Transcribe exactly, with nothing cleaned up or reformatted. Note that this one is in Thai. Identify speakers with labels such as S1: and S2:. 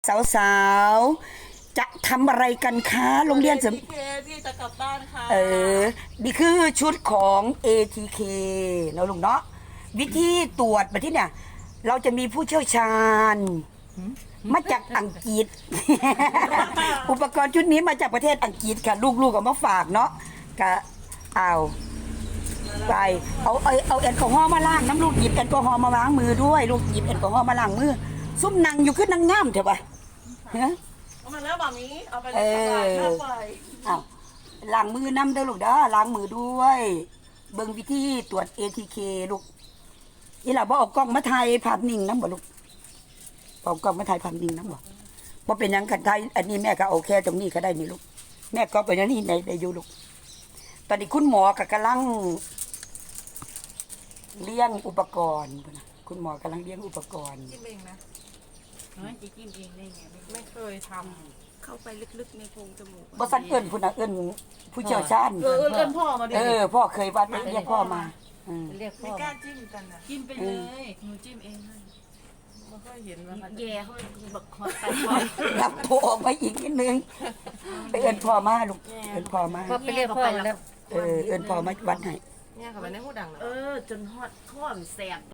S1: สาวๆจะทำอะไรกันคะโรงเรียนเสริม
S2: เคที่จะกลับบ้านค่ะ
S1: เออนี่คือชุดของ เอ ที เค เนาะลุงเนาะวิธีตรวจแบบที่เนี่ย เราจะมีผู้เชี่ยวชาญ มาจากอังกฤษ อุปกรณ์ชุดนี้มาจากประเทศอังกฤษค่ะ ลูกๆเอามาฝากเนาะก็เอาไปเอาเอาเอาแอลกอฮอล์มาล้างน้ำลูกหยิบแอลกอฮอล์มาล้างมือด้วย ลูกหยิบแอลกอฮอล์มาล้างมือซุ่มนางอยู่ขึ้นนางงามเถอะปะฮะ
S2: เอามาแล้วแบบนี้เอาไปเล
S1: เอย
S2: ตลาด
S1: อ
S2: หน้าไฟ
S1: อ้าวล้างมือน้ำเด้อลูกเด้อล้างมือด้วย เบิ่งวิธีตรวจ เอ ที เค ลูกอีหล่ะบ่เอากล้องมาถ่ายภาพนิ่งนำบ่ลูกเอากล้องมาถ่ายภาพนิ่งนำบ่บ่เป็นหยังกันถ่ายอันนี้แม่ก็เอาแค่ตรงนี้ก็ได้นี่ลูกแม่ก็ไปอันนี้ได้ได้อยู่ลูกตอนนี้คุณหมอก็กำลังเลี้ยงอุปกรณ์พุ่นน่ะคุณหมอกำลังเลี้ยงอุปกรณ์
S2: จิ้มเองนะ
S3: น้อยจะกินเองได้ไงไม่
S2: ไม่เคยท
S3: เข้าไปลึกๆในโพรงจมูก
S1: บ่ซันเอิ้นพุ่นน่ะเอิ้นผู้เชี่ยวชาญ
S2: ำเออเออเอิ้นพ่อมาดิ
S1: เออพ่อเคยวัดเรียกพ่อมาอืม
S3: เรียกพ่
S2: ไม่
S3: อก
S2: ล้าจิ้มกันนะ
S3: กินไปเลยหนูจิ้มเองให้
S2: ไม่ค่อยเห็นว่ามัน
S3: แย่เขาบอกคอยไปคอย
S1: รับโทรออกมาอีกนิดนึงไปเอิ้นพ่อมาลูกเอิ้นพ่อมา
S3: พอไปเรียกพ่อแล้ว
S1: เออเอิ้นพ่อมาวัดให้
S2: เนี่ยค่ะมันในหูดังนะ
S3: เออ จนฮอดข้อมแสบ